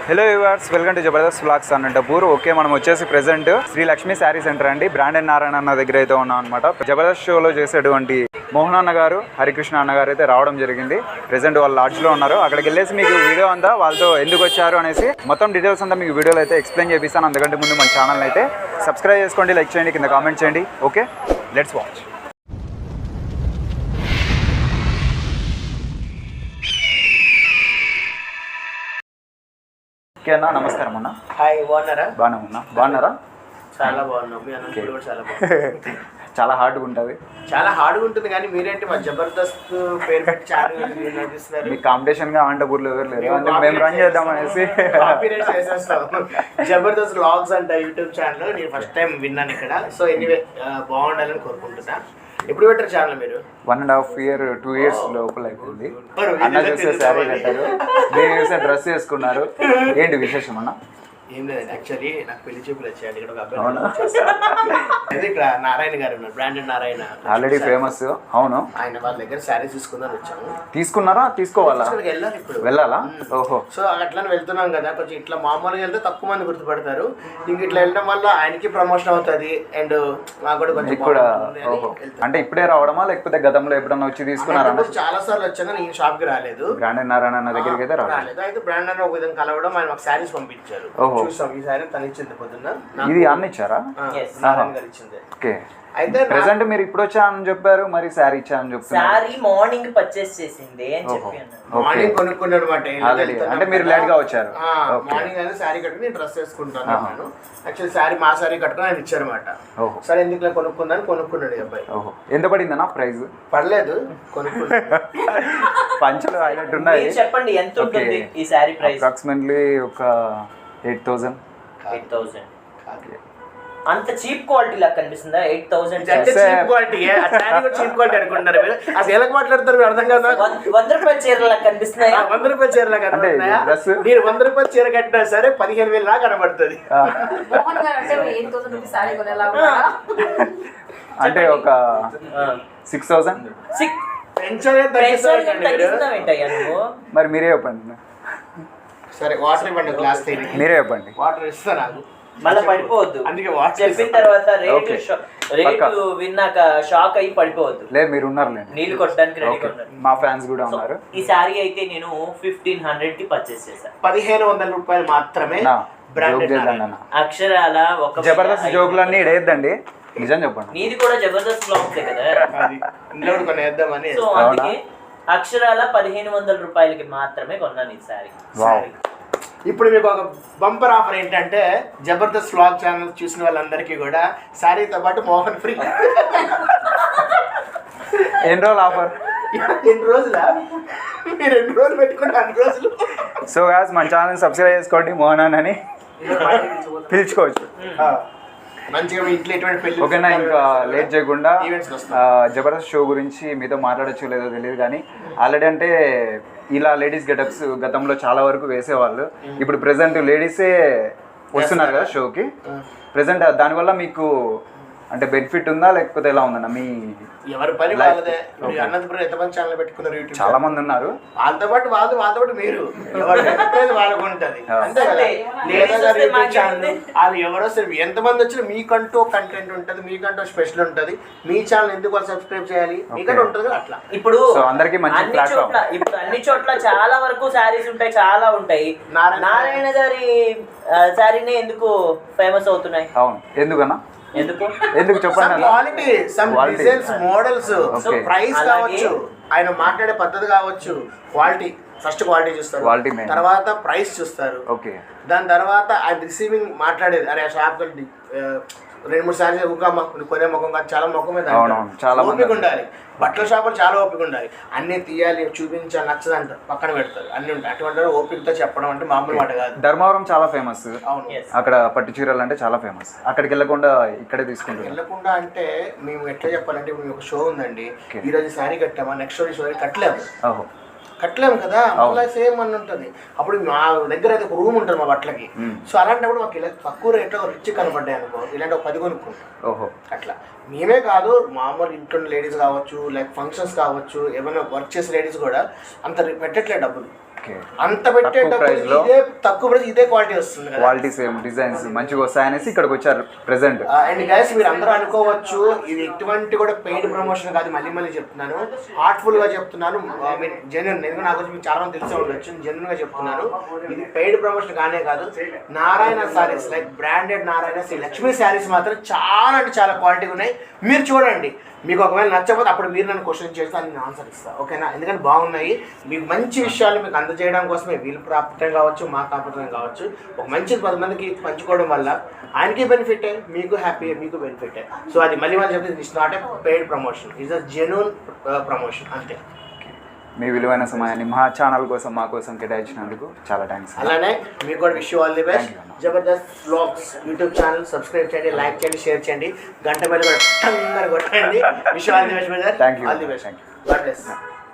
Hello viewers, welcome to Jabardasth vlogs Anantapur. Okay, మనం వచ్చేసి present Sri Lakshmi saree centre అండి, బ్రాండెడ్ నారాయణ అన్న దగ్గర అయితే ఉన్నాం అనమాట. జబర్దస్త్ షోలో చేసేటువంటి మోహన్ అన్న గారు, హరికృష్ణ అన్న గారు అయితే రావడం జరిగింది. ప్రెజెంట్ వాళ్ళ లాడ్జ్లో ఉన్నారు. అక్కడికి వెళ్ళేసి మీకు వీడియో అంతా వాళ్ళతో ఎందుకు వచ్చారు అనేసి మొత్తం డీటెయిల్స్ అంతా మీకు వీడియోలో అయితే ఎక్స్ప్లెయిన్ చేపిస్తాను. అందుకంటే ముందు మన ఛానల్ అయితే సబ్స్క్రైబ్ చేసుకోండి, లైక్ చేయండి, కింద కామెంట్ చేయండి. Okay, let's watch. అన్న నమస్కారం అన్న. హాయ్, బాగున్నారా? బాగున్నారా? చాలా బాగున్నాం. మీ అనంతపురం కూడా చాలా బాగుంది. చాలా హార్డ్గా ఉంటుంది. చాలా హార్డ్గా ఉంటుంది, కానీ మీరేంటి మా జబర్దస్త్ పేరు పెట్టి చాలా నడిపిస్తున్నారు. మీ కాంపిటీషన్ గా అనంతపూర్లో ఎవరు లేరు, మేము రన్ చేద్దాం అనేసి జబర్దస్త్ వ్లాగ్స్ అంట యూట్యూబ్ ఛానల్. నేను ఫస్ట్ టైం విన్నాను ఇక్కడ. సో ఎనీవే బాగుండాలని కోరుకుంటున్నా. ఎప్పుడు పెట్టారు ఛానల్ మీరు? 1.5 year 2 years లోపల అయిపోయింది. అన్న చూస్తే శారీ కట్టారు, నేను చూస్తే డ్రెస్ వేసుకున్నారు. ఏంటి విశేషం అన్న? ఏం లేదండి, యాక్చువల్లీ నాకు పెళ్లి చూపులు వచ్చాయండి. ఇక్కడ ఒక అబ్బాయి, ఇక్కడ నారాయణ గారు ఉన్నారు, బ్రాండెడ్ నారాయణ, ఆల్రెడీ ఫేమస్. అవును, ఆయన వాళ్ళ దగ్గర శారీస్ తీసుకుందాం వచ్చాము. తీసుకున్నారా? తీసుకోవాలా? వెళ్ళాలి ఇప్పుడు. వెళ్ళాలా? ఓహో. సో అట్లానే వెళ్తున్నాం కదా, కొంచెం ఇట్లా మామూలుగా వెళ్తే తక్కువ మంది గుర్తుపడతారు. ఇంక ఇట్లా వెళ్ళడం వల్ల ఆయనకి ప్రమోషన్ అవుతుంది అండ్ నాకు కూడా కొంచెం కూడా. ఓహో, అంటే ఇప్పుడే రావడమా లేకపోతే గతంలో ఎప్పుడన్నా వచ్చి తీసుకున్నారా? చాలా సార్లు వచ్చాను, నేను షాప్ కి రాలేదు. బ్రాండెడ్ నారాయణ దగ్గరికి అయితే రాలేదు. అయితే బ్రాండెడ్ ఒక విధంగా కలవడం, ఆయన మాకు శారీస్ పంపించారు. చూసాం, ఈ శారీ తను ఇచ్చింది పొద్దున్న. ఇది అన్న ఇచ్చారా? నారాయణ గారు ఇచ్చింది. ఓకే. అయితే ప్రెసెంట్ మీరు ఇప్పుడు వచ్చానని చెప్పారు, మరి శారీ ఇచ్చానని చెప్తున్నారు. శారీ మార్నింగ్ పర్చేస్ చేసింది అని చెప్పాను. మార్నింగ్ కొనుక్కున్నాడు అనమాట. అంటే మీరు లేట్ గా వచ్చారు. మార్నింగ్ అయితే శారీ కట్టుకుని డ్రెస్ వేసుకుంటాను. యాక్చువల్లీ శారీ మా శారీ కట్టుకుని ఆయన ఇచ్చారన్నమాట. సరే ఎందుకు కొనుక్కుందని కొనుక్కున్నాడు ఈ అబ్బాయి. ఎంత పడిందన్నా ప్రైస్? పర్లేదు, కొనుక్కున్నాడు. పంచలు హైలైట్ ఉన్నాయి. చెప్పండి ఎంత ఉంటుంది ఈ శారీ ప్రైస్? అప్రాక్సిమేట్లీ ఒక 8,000. అంత చీప్ క్వాలిటీ లాగా కనిపిస్తుందా? 8,000 చీప్ క్వాలిటీ. చీప్ క్వాలిటీ అనుకుంటారు మీరు. అసలు ఎలా మాట్లాడతారు అర్థం కాదు. 100 రూపాయల చీరలా కనిపిస్తున్నాయా? 100 రూపాయల చీరలా కనిపిస్తున్నాయా? మీరు 100 రూపాయల చీర కట్టినా సరే 15,000 లాగా కనబడుతుంది. అంటే ఒక 6,000. మరి మీరే చెప్పండి. సరే, వాటర్ ఇవ్వండి, గ్లాస్ మీరే చెప్పండి. వాటర్ ఇస్తా నాకు, మళ్ళీ పడిపోవద్దు. అందుకే వాటర్ చెప్పిన తర్వాత రేటు విన్నాక షాక్ అయ్యి పడిపోవద్దు. లేదు, మీరు ఉన్నారులేండి, నీళ్ళు కొట్టడానికి రెడీ ఉన్నారు. మా ఫ్యాన్స్ కూడా ఉన్నారు. ఈ సారీ అయితే నేను 1,500 కి పర్చేస్ చేశాను. 1,500 రూపాయలు మాత్రమే. అక్షరాల ఒక జబర్దస్త్ జోకులన్నీ ఇడేద్దండి, నిజం చెప్పండి. నీది కూడా జబర్దస్త్ బ్లాగ్స్ కదా, సో అందుకే అక్షరాల 1,500 రూపాయలకి మాత్రమే కొన్నాను ఈ సారీ. ఇప్పుడు మీకు ఒక బంపర్ ఆఫర్ ఏంటంటే, జబర్దస్త్ వ్లాగ్ ఛానల్ చూసిన వాళ్ళందరికీ కూడా శారీతో పాటు మోహన్ ఫ్రీ. ఎన్ని రోజులు ఆఫర్? 2 రోజులా? మీరు 2 రోజులు పెట్టుకుంటే 2 రోజులు. సో గాయ్స్, మన ఛానల్ సబ్స్క్రైబ్ చేసుకోండి, మోహన్ అని పిలుచుకోవచ్చు. మంచిగా మీ ఇంట్లో ఎటువంటి పెళ్లి. ఓకేనా, ఇంకా లేట్ చేయకుండా జబర్దస్త్ షో గురించి మీతో మాట్లాడచ్చు లేదో తెలియదు, కానీ ఆల్రెడీ అంటే ఇలా లేడీస్ గెటప్స్ గతంలో చాలా వరకు వేసేవాళ్ళు. ఇప్పుడు ప్రెసెంట్ లేడీసే వస్తున్నారు కదా షోకి. ప్రెసెంట్ దానివల్ల మీకు అంటే బెనిఫిట్ ఉందా లేకపోతే ఎలా ఉందన్న? మీ ఎవరి పని వాళ్ళదే. అనంతపురం ఎంతమంది ఛానల్ పెట్టుకున్నారు? యూట్యూబ్ చాలా మంది ఉన్నారు. వాళ్ళతో పాటు వాళ్ళతో పాటు మీరు వాళ్ళకు ఉంటుంది అంతే కదా. వాళ్ళు ఎవరో సరే ఎంతమంది వచ్చినా మీకంటూ కంటెంట్ ఉంటుంది, మీకంటూ స్పెషల్ ఉంటుంది. మీ ఛానల్ ఎందుకు వాళ్ళు సబ్స్క్రైబ్ చేయాలి? మీకంటూ ఉంటుంది అట్లా. ఇప్పుడు అందరికి ఇప్పుడు అన్ని చోట్ల చాలా వరకు శారీస్ ఉంటాయి, చాలా ఉంటాయి. నారాయణ గారి శారీనే ఎందుకు ఫేమస్ అవుతున్నాయి? అవును, ఎందుకన్నా? ఎందుకు చెప్పండి. Quality, some designs, models, price కావచ్చు, ఆయన మాట్లాడే పద్ధతి కావచ్చు. క్వాలిటీ ఫస్ట్ క్వాలిటీ చూస్తారు, తర్వాత ప్రైస్ చూస్తారు. దాని తర్వాత ఆయన రిసీవింగ్ మాట్లాడేది. అరే షాప్ 2-3 సార్లు కొనే ముఖం కాదు, చాలా ముఖం మీద ఓపిక ఉండాలి. బట్టల షాపులు చాలా ఓపిక ఉండాలి. అన్నీ తీయాలి, చూపించాలి, నచ్చదంట పక్కన పెడతారు. అన్ని ఉంటాయి. అటువంటి ఓపికతో చెప్పడం అంటే మామూలు మాట కాదు. ధర్మవరం చాలా ఫేమస్. అవును, అక్కడ పట్టు చీరలు అంటే చాలా ఫేమస్. అక్కడికి వెళ్ళకుండా ఇక్కడే తీసుకుంటాం. వెళ్ళకుండా అంటే మేము ఎట్లా చెప్పాలంటే, ఇప్పుడు ఒక షో ఉందండి, ఈ రోజు శారీ కట్టామా, నెక్స్ట్ రోజు షో కట్టలేము కదా, మళ్ళీ సేమ్ అని ఉంటుంది. అప్పుడు మా దగ్గర అయితే ఒక రూమ్ ఉంటుంది మా బట్టలకి. సో అలాంటప్పుడు మాకు ఇలా తక్కువ రేట్లో రిచ్ కనపడ్డాయి అనుకో, ఇలాంటి ఒక 10 కొనుక్కుంటాం. అట్లా మేమే కాదు, మామూలు ఇంట్లో లేడీస్ కావచ్చు, లైక్ ఫంక్షన్స్ కావచ్చు, ఏమైనా వర్క్ చేసే లేడీస్ కూడా అంత పెట్టట్లేదు డబ్బులు. ఓకే. అంత పెట్టేటప్పుడు price లో ఇదే తక్కువ ప్రైస్ ఇదే క్వాలిటీ వస్తుంది కదా. క్వాలిటీ సేమ్ డిజైన్స్ మంచిగా వస్తాయనేసి ఇక్కడికి వచ్చారు ప్రెసెంట్. అండ్ గైస్ మీరు అందరూ అనుకోవచ్చు ఇది ఎటువంటి కూడా పెయిడ్ ప్రమోషన్ కాదు, మళ్ళీ మళ్ళీ చెప్తున్నాను, హార్ట్ఫుల్ గా చెప్తున్నాను, ఐ మీన్ జెన్యున్. ఎందుకంటే నాకు మీకు చాలా మంది తెలిసే ఉండొచ్చు, జెన్యున్ గా చెప్తున్నాను. ఇది పెయిడ్ ప్రమోషన్ కానే కాదు. Narayana sarees like branded Narayana Sri Lakshmi sarees మాత్రం చాలా అంటే చాలా క్వాలిటీ ఉన్నాయి. మీరు చూడండి, మీకు ఒకవేళ నచ్చకపోతే అప్పుడు మీరు నన్ను క్వశ్చన్ చేస్తే నేను ఆన్సర్ ఇస్తాను, ఓకేనా? ఎందుకంటే బాగున్నాయి, మీకు మంచి విషయాలు మీకు అందజేయడం కోసమే వీళ్ళు ప్రాప్తం కావచ్చు, మా కాపుతం కావచ్చు, ఒక మంచి 10 మందికి పంచుకోవడం వల్ల ఆయనకి బెనిఫిటే, మీకు హ్యాపీ, మీకు బెనిఫిటే. సో అది మళ్ళీ వాళ్ళు చెప్తే it's not a paid promotion, it's a genuine promotion అంతే. మీ విలువైన సమయాన్ని మా ఛానల్ కోసం మా కోసం కేటాయించినందుకు చాలా థ్యాంక్స్. అలానే మీకు కూడా wish you all the best. Jabardasth vlogs YouTube channel subscribe చేయండి, లైక్ చేయండి, షేర్ చేయండి, గంట బెల్ కూడా టంగని కొట్టండి. Wish you all the best brother. Thank you. All the best. God bless.